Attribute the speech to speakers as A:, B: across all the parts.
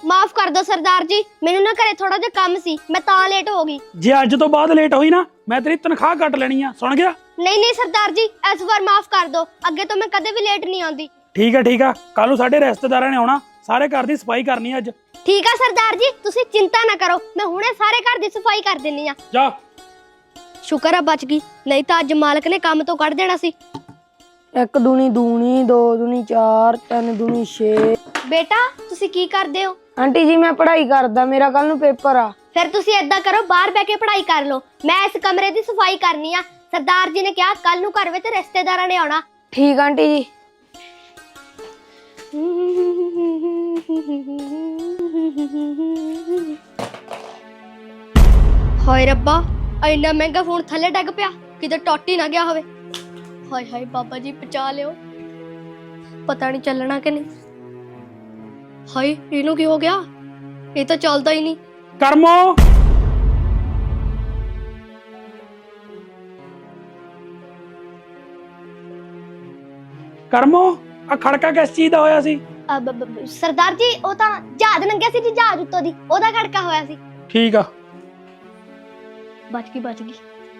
A: माफ कर दो सरदार जी, मैनू ना घरे थोड़ा जिहा काम सी, मैं तां लेट हो गई।
B: जे अज तो बाद लेट हुई ना मैं तेरी तनख्वाह कट लेनी आ, सुन गया?
A: नहीं नहीं सरदार जी, इस बार माफ कर दो, अगे तो मैं कदे भी लेट नहीं आती।
B: ठीक है कल साडे रिश्तेदारां ने आउणा, सारे घर दी सफाई करनी अज।
A: ठीक है सरदार जी, तुसी चिंता ना करो, मैं हुणे सारे घर दी सफाई कर देनी आ।
B: जा।
A: शुक्र है बच गई, नहीं तो अज मालक ने काम तो कढ़ देना सी।
C: 1 दूनी दूनी 2 दूनी 4 3 दूनी 6।
A: बेटा तुसी की करदे हो?
C: आंटी जी मैं पढ़ाई करदा, मेरा कल नू पेपर आ।
A: फिर तुसी ऐदा करो, बाहर बैठ के पढ़ाई कर लो, मैं इस कमरे दी सफाई करनी आ। सरदार जी ने कहा कल नू घर विच रिश्तेदारां ने आउणा।
C: ठीक आंटी जी।
A: हाय रब्बा, इन्ना महंगा फोन थल्ले डिग पिया, किते टुट ही ना गया होवे। हाय हाय बाबा जी बचा लियो, पता नहीं चलना कि नहीं। हाय इनू की हो गया, ये तो चलता ही नहीं।
B: करमो करमो आ खड़का किस चीज दा होया सी?
A: सरदार जी ਉਹ ਤਾਂ ਜਹਾਜ਼ ਲੰਘਿਆ ਸੀ ਜੀ, ਜਹਾਜ਼ ਉੱਤੋਂ ਦੀ ਉਹਦਾ ਖੜਕਾ ਹੋਇਆ ਸੀ।
B: ठीक आ।
A: ਬਚ ਗਈ।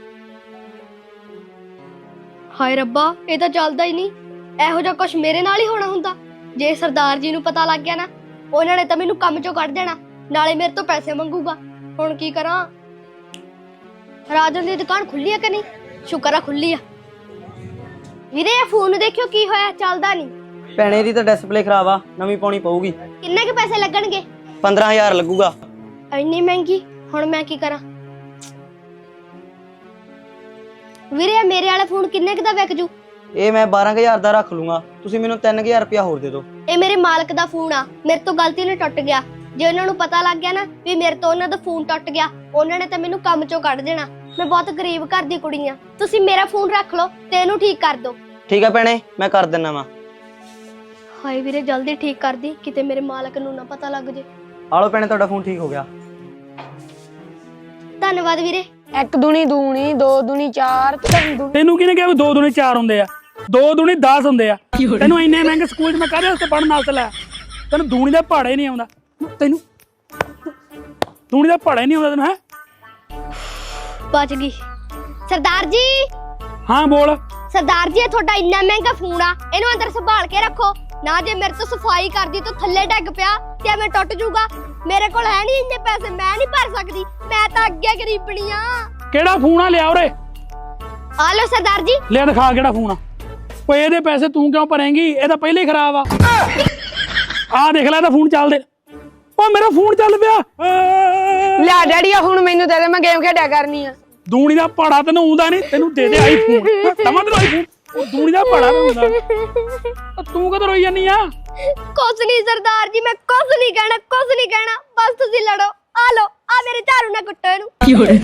A: ਹਾਏ ਰੱਬਾ, ਇਹ ਤਾਂ ਚੱਲਦਾ ਹੀ ਨਹੀਂ। ਇਹੋ ਜਿਹਾ ਕੁਝ ਮੇਰੇ ਨਾਲ ਹੀ ਹੋਣਾ ਹੁੰਦਾ। ਜੇ ਸਰਦਾਰ ਜੀ ਨੂੰ ਪਤਾ ਲੱਗ ਗਿਆ ਨਾ, ਉਹਨਾਂ ਨੇ ਤਾਂ ਮੈਨੂੰ ਕੰਮ ਚੋਂ ਕੱਢ ਦੇਣਾ, ਨਾਲੇ ਮੇਰੇ ਤੋਂ ਪੈਸੇ ਮੰਗੂਗਾ। ਹੁਣ ਕੀ ਕਰਾਂ? ਰਾਜਨ ਦੀ ਦੁਕਾਨ ਖੁੱਲੀ ਆ ਕਿ ਨਹੀਂ? ਸ਼ੁਕਰ ਆ ਖੁੱਲੀ ਆ। ਵੀਰੇ ਇਹ ਫੋਨ ਦੇਖਿਓ ਕੀ ਹੋਇਆ, ਚੱਲਦਾ ਨਹੀਂ।
D: ਭੈਣੇ ਦੀ ਤਾਂ ਡਿਸਪਲੇ ਖਰਾਬ ਆ, ਨਵੀਂ ਪਾਉਣੀ ਪਊਗੀ।
A: ਕਿੰਨੇ ਕੁ ਪੈਸੇ ਲੱਗਣਗੇ?
D: 15000 ਲੱਗੂਗਾ।
A: ਇੰਨੀ ਮਹਿੰਗੀ, ਹੁਣ ਮੈਂ ਕੀ ਕਰਾਂ? ਵੀਰੇ ਮੇਰੇ ਵਾਲਾ ਫੋਨ ਕਿੰਨੇ ਕੁ ਦਾ ਵਿਕ ਜੂ?
D: ਇਹ ਮੈਂ 12000 ਦਾ ਰੱਖ ਲੂੰਗਾ, ਤੁਸੀਂ ਮੈਨੂੰ 3000 ਰੁਪਇਆ ਹੋਰ ਦੇ ਦਿਓ।
A: ਇਹ ਮੇਰੇ ਮਾਲਕ ਦਾ ਫੋਨ ਆ, ਮੇਰੇ ਤੋਂ ਗਲਤੀ ਨਾਲ ਟੁੱਟ ਗਿਆ। ਜੇ ਉਹਨਾਂ ਨੂੰ ਪਤਾ ਲੱਗ ਗਿਆ ਨਾ ਵੀ ਮੇਰੇ ਤੋਂ ਉਹਨਾਂ ਦਾ ਫੋਨ ਟੁੱਟ ਗਿਆ, ਉਹਨਾਂ ਨੇ ਤਾਂ ਮੈਨੂੰ ਕੰਮ ਚੋਂ ਕੱਢ ਦੇਣਾ। ਮੈਂ ਬਹੁਤ ਗਰੀਬ ਘਰ ਦੀ ਕੁੜੀ ਆ, ਤੁਸੀਂ ਮੇਰਾ ਫੋਨ ਰੱਖ ਲਓ ਤੇ ਇਹਨੂੰ ਠੀਕ ਕਰ ਦਿਓ।
D: ਠੀਕ ਆ ਭੈਣੇ, ਮੈਂ ਕਰ ਦਿੰਨਾ ਵਾ।
A: ਹਾਏ ਵੀਰੇ ਜਲਦੀ ਠੀਕ ਕਰ ਦੀ, ਕਿਤੇ ਮੇਰੇ ਮਾਲਕ ਨੂੰ ਨਾ ਪਤਾ ਲੱਗ ਜੇ।
D: ਆ ਲਓ ਭੈਣੇ, ਤੁਹਾਡਾ ਫੋਨ ਠੀਕ ਹੋ ਗਿਆ।
A: ਧੰਨਵਾਦ ਵੀਰੇ।
C: 1 दूनी दूनी 2 दूनी 4 3 दूनी।
B: ਤੈਨੂੰ ਕਿਹਨੇ ਕਿਹਾ ਵੀ 2 दूनी 4 ਹੁੰਦੇ ਆ? 2 दूनी 10 ਹੁੰਦੇ ਆ। ਤੈਨੂੰ ਇੰਨੇ ਮਹਿੰਗੇ ਸਕੂਲ 'ਚ ਮੈਂ ਕਾਹਦੇ ਵਾਸਤੇ ਪੜ੍ਹਨ ਵਾਸਤੇ ਲਾਇਆ? ਤੈਨੂੰ ਦੂਣੀ ਦਾ ਪਹਾੜਾ ਹੀ ਨਹੀਂ ਆਉਂਦਾ। ਤੈਨੂੰ ਦੂਣੀ ਦਾ ਪਹਾੜਾ ਹੀ ਨਹੀਂ ਆਉਂਦਾ ਤੈਨੂੰ? ਹੈ
A: ਬਚ ਗਈ। ਸਰਦਾਰ ਜੀ।
B: ਹਾਂ ਬੋਲ।
A: ਸਰਦਾਰ ਜੀ ਇਹ ਤੁਹਾਡਾ ਇੰਨਾ ਮਹਿੰਗਾ ਫੋਨ ਆ, ਇਹਨੂੰ ਅੰਦਰ ਸੰਭਾਲ ਕੇ ਰੱਖੋ ਨਾ। ਜੇ ਮੇਰੇ ਤੋਂ ਸਫਾਈ ਕਰਦੀ ਤਾਂ ਥੱਲੇ ਡਿੱਗ ਪਿਆ ਤੇ ਐਵੇਂ ਟੁੱਟ ਜਾਊਗਾ। ਮੇਰੇ ਕੋਲ ਹੈ ਨਹੀਂ ਇੰਨੇ ਪੈਸੇ, ਮੈਂ ਨਹੀਂ ਭਰ ਸਕਦੀ, ਮੈਂ ਤਾਂ ਅੱਗੇ ਗਰੀਬਣੀ ਆ।
B: ਕਿਹੜਾ ਫੋਨ ਆ? ਲਿਆ ਉਰੇ।
A: ਆ ਲਓ ਸਰਦਾਰ ਜੀ।
B: ਲਿਆ ਦਿਖਾ ਕਿਹੜਾ ਫੋਨ ਆ। ਓਏ ਇਹਦੇ ਪੈਸੇ ਤੂੰ ਕਿਉਂ ਭਰੇਂਗੀ? ਇਹ ਤਾਂ ਪਹਿਲੇ ਹੀ ਖਰਾਬ ਆ। ਆ ਦੇਖ ਲੈ ਇਹਦਾ ਫੋਨ ਚੱਲਦੇ। ਓ ਮੇਰਾ ਫੋਨ ਚੱਲ ਪਿਆ।
C: ਲੈ ਡੈਡੀ ਆ ਹੁਣ ਮੈਨੂੰ ਦੇ ਦੇ, ਮੈਂ ਗੇਮ ਖੇਡਿਆ ਕਰਨੀ ਆ।
B: ਦੂਣੀ ਦਾ ਪਹਾੜਾ ਤੈਨੂੰ ਆਉਂਦਾ ਨਹੀਂ, ਤੈਨੂੰ ਦੇ ਦੇ ਆਈਫੋਨ। ਤਮਾ ਤੈਨੂੰ ਆਈਫੋਨ। ਉਹ ਦੂਣੀ ਦਾ ਪਹਾੜਾ ਤੈਨੂੰ ਆਉਂਦਾ। ਤੂੰ ਕਦੋਂ ਰੋਈ ਜਾਨੀ ਆ?
A: ਕੁਛ ਨਹੀਂ ਸਰਦਾਰ ਜੀ, ਮੈਂ ਕੁਛ ਨਹੀਂ ਕਹਿਣਾ, ਬਸ ਤੁਸੀਂ ਲੜੋ। ਆ ਲਓ, ਆ ਮੇਰੇ ਝਾੜੂ ਨਾਲ ਕੁੱਟੋ ਇਹਨੂੰ।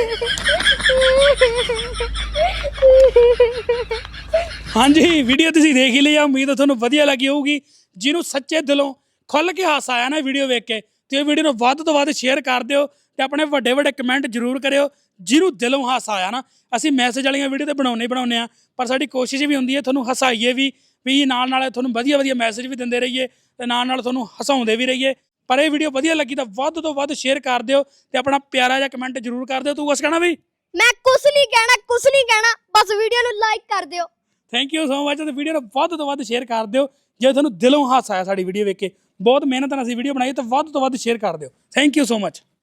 B: ਹਾਂਜੀ ਵੀਡੀਓ ਤੁਸੀਂ ਦੇਖ ਹੀ ਲਈ ਆ, ਉਮੀਦ ਹੈ ਤੁਹਾਨੂੰ ਵਧੀਆ ਲੱਗੀ ਹੋਊਗੀ। ਜਿਹਨੂੰ ਸੱਚੇ ਦਿਲੋਂ ਖੁੱਲ ਕੇ ਹਾਸਾ ਆਇਆ ਨਾ ਵੀਡੀਓ ਵੇਖ ਕੇ, ਤੇ ਇਹ ਵੀਡੀਓ ਨੂੰ ਵੱਧ ਤੋਂ ਵੱਧ ਸ਼ੇਅਰ ਕਰ ਦਿਓ ਤੇ ਆਪਣੇ ਵੱਡੇ ਕਮੈਂਟ ਜ਼ਰੂਰ ਕਰਿਓ। ਜਿਹਨੂੰ ਦਿਲੋਂ ਹਾਸਾ ਆਇਆ ਨਾ, ਅਸੀਂ ਮੈਸੇਜ ਵਾਲੀਆਂ ਵੀਡੀਓ ਤੇ ਬਣਾਉਂਦੇ ਆ, ਪਰ ਸਾਡੀ ਕੋਸ਼ਿਸ਼ ਵੀ ਹੁੰਦੀ ਹੈ ਤੁਹਾਨੂੰ ਹਸਾਈਏ ਵੀ ਨਾਲ ਤੁਹਾਨੂੰ ਵਧੀਆ ਮੈਸੇਜ ਵੀ ਦਿੰਦੇ ਰਹੀਏ ਤੇ ਨਾਲ ਤੁਹਾਨੂੰ ਹਸਾਉਂਦੇ ਵੀ ਰਹੀਏ। ਪਰ ਇਹ ਵੀਡੀਓ ਵਧੀਆ ਲੱਗੀ ਤਾਂ ਵੱਧ ਤੋਂ ਵੱਧ ਸ਼ੇਅਰ ਕਰ ਦਿਓ ਤੇ ਆਪਣਾ ਪਿਆਰਾ ਜਿਹਾ ਕਮੈਂਟ ਜ਼ਰੂਰ ਕਰ ਦਿਓ। ਤੂੰ ਕੁਛ ਕਹਿਣਾ ਵੀ?
A: ਮੈਂ ਕੁਛ ਨਹੀਂ ਕਹਿਣਾ, ਬਸ ਵੀਡੀਓ ਨੂੰ ਲਾਈਕ ਕਰ ਦਿਓ।
B: Thank you so much. ਤੇ ਵੀਡੀਓ ਨੂੰ ਵੱਧ ਤੋਂ ਵੱਧ ਸ਼ੇਅਰ ਕਰ ਦਿਓ ਜੇ ਤੁਹਾਨੂੰ ਦਿਲੋਂ ਹਾਸਾ ਆਇਆ ਸਾਡੀ ਵੀਡੀਓ ਵੇਖ ਕੇ। ਬਹੁਤ ਮਿਹਨਤ ਨਾਲ ਅਸੀਂ ਵੀਡੀਓ ਬਣਾਈ, ਤਾਂ ਵੱਧ ਤੋਂ ਵੱਧ ਸ਼ੇਅਰ ਕਰ ਦਿਓ। Thank you so much.